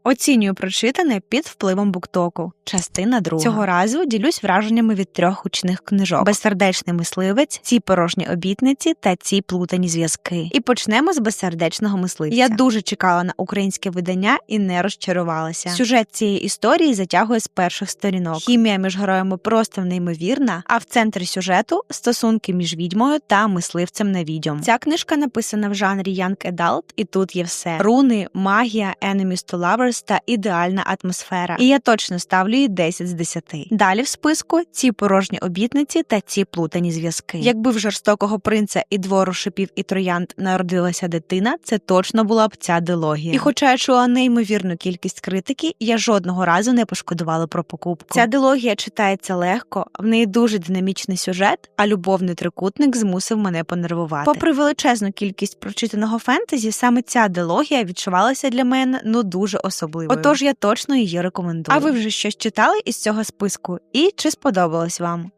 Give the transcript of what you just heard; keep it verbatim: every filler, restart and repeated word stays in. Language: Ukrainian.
Оцінюю прочитане під впливом буктоку. Частина друга. Цього разу ділюсь враженнями від трьох гучних книжок: «Безсердечний мисливець», «Ці порожні обітниці» та «Ці плутані зв'язки». І почнемо з «Безсердечного мисливця». Я дуже чекала на українське видання і не розчарувалася. Сюжет цієї історії затягує з перших сторінок. Хімія між героями просто неймовірна, а в центрі сюжету – стосунки між відьмою та мисливцем на відьом. Ця книжка написана в жанрі Young Adult, і тут є все. Руни, магія, enemies to lovers та ідеальна атмосфера. І я точно ставлю їй десять з десяти. Далі в списку «Ці порожні обітниці» та «Ці плутані зв'язки». Якби в жорстокого принца і двору шипів і троянд народилася дитина, це точно була б ця дилогія. І хоча я чула неймовірну кількість критики, я жодного разу не пошкодувала про покупку. Ця дилогія читається легко, в неї дуже динамічний сюжет, а любовний трикутник змусив мене понервувати. Попри величезну кількість прочитаного фентезі, саме ця дилогія відчувалася для мене ну дуже особливою. Отож я точно її рекомендую. А ви вже щось читали із цього списку? І чи сподобалось вам?